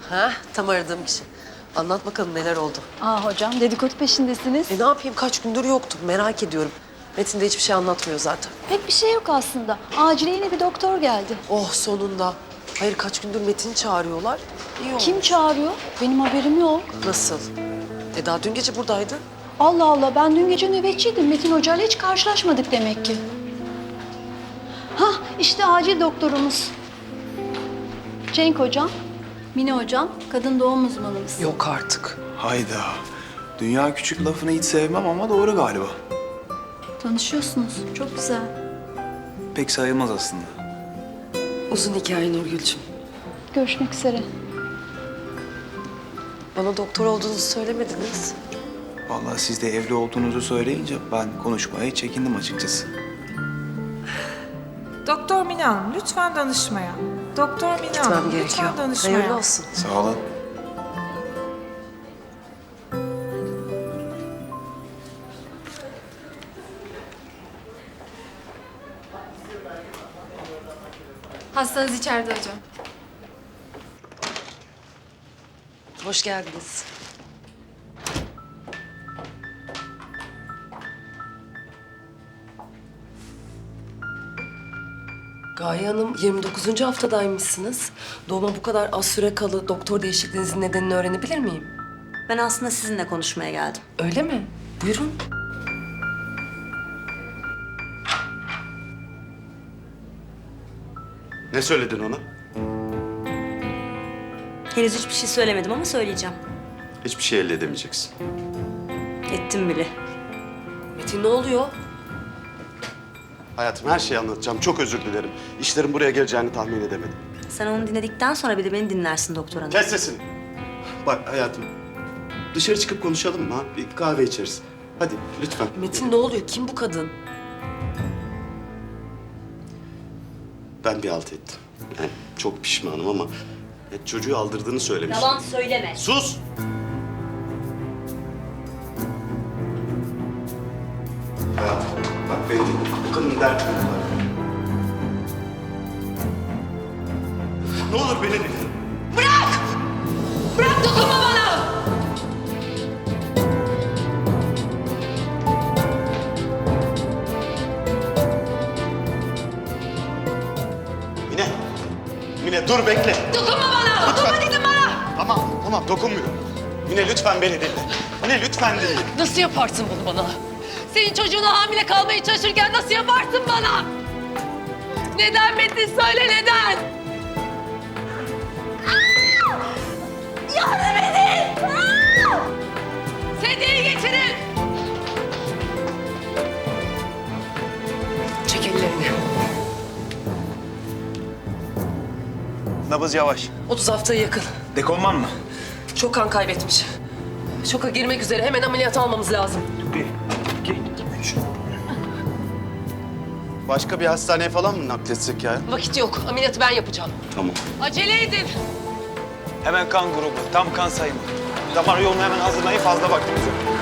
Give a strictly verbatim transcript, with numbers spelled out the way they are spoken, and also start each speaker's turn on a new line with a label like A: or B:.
A: Ha, tam aradığım kişi. Anlat bakalım neler oldu.
B: Aa hocam, dedikodu peşindesiniz.
A: E ne yapayım, kaç gündür yoktum, merak ediyorum. Metin de hiçbir şey anlatmıyor zaten.
B: Pek bir şey yok aslında. Acile yeni bir doktor geldi.
A: Oh sonunda. Hayır, kaç gündür Metin'i çağırıyorlar. İyi oldu.
B: Kim çağırıyor? Benim haberim yok.
A: Nasıl? E daha dün gece buradaydı.
B: Allah Allah, ben dün gece nöbetçiydim. Metin Hoca'yla hiç karşılaşmadık demek ki. Hah, işte acil doktorumuz. Cenk hocam, Mine hocam, kadın doğum uzmanımız.
A: Yok artık.
C: Hayda. Dünya küçük lafını hiç sevmem ama doğru galiba.
B: Tanışıyorsunuz, çok güzel.
C: Pek sayılmaz aslında.
A: Uzun hikaye Nurgül'cüm.
B: Görüşmek üzere.
A: Bana doktor olduğunuzu söylemediniz.
C: Vallahi siz de evli olduğunuzu söyleyince ben konuşmaya çekindim açıkçası.
D: Doktor Mine Hanım, lütfen danışmaya. Doktor Mine
A: Gitmem
D: Hanım,
A: gerekiyor.
D: lütfen danışmaya.
A: Hayırlı olsun.
C: Sağ olun.
E: Hastanız içeride hocam.
A: Hoş geldiniz. Gaye Hanım, yirmi dokuzuncu haftadaymışsınız. Doğuma bu kadar az süre kalı doktor değişikliğinizin nedenini öğrenebilir miyim?
F: Ben aslında sizinle konuşmaya geldim.
A: Öyle mi? Buyurun.
G: Ne söyledin ona?
F: Henüz hiçbir şey söylemedim ama söyleyeceğim.
G: Hiçbir şey elde edemeyeceksin.
F: Ettim bile.
A: Metin ne oluyor?
G: Hayatım, her şeyi anlatacağım. Çok özür dilerim. İşlerin buraya geleceğini tahmin edemedim.
F: Sen onu dinledikten sonra bir de beni dinlersin doktor hanım.
G: Kes sesini. Bak hayatım, dışarı çıkıp konuşalım mı? Ha? Bir kahve içeriz. Hadi lütfen.
A: Metin ne oluyor? Kim bu kadın?
G: Ben bir halt ettim. Yani çok pişmanım ama ya çocuğu aldırdığını söylemiş.
F: Yalan söyleme.
G: Sus! Hayatım, bak beni dinle. Bu kadının derdi ne var? Ne olur beni dinle.
A: Bırak, dokunma bana!
G: Mine! Mine dur bekle.
A: Dokunma bana! Dokunma dedim bana!
G: Tamam, tamam dokunmuyorum. Mine lütfen beni dinle. Mine lütfen dinle.
A: Nasıl yaparsın bunu bana? Senin çocuğuna hamile kalmaya çalışırken nasıl yaparsın bana? Neden Metin, söyle neden? Aa! Yardım edin! Aa! Sedyeyi getirin! Çek ellerini.
C: Nabız yavaş.
A: otuz haftaya yakın.
C: Dekonman mı?
A: Çok kan kaybetmiş. Şoka girmek üzere. Hemen ameliyat almamız lazım.
C: Bir, iki, üç.
G: Başka bir hastaneye falan mı nakletsek ya?
A: Vakit yok. Ameliyatı ben yapacağım.
G: Tamam.
A: Acele edin.
C: Hemen kan grubu, tam kan sayımı. Damar yolunu hemen hazırlayın, fazla vaktimiz yok.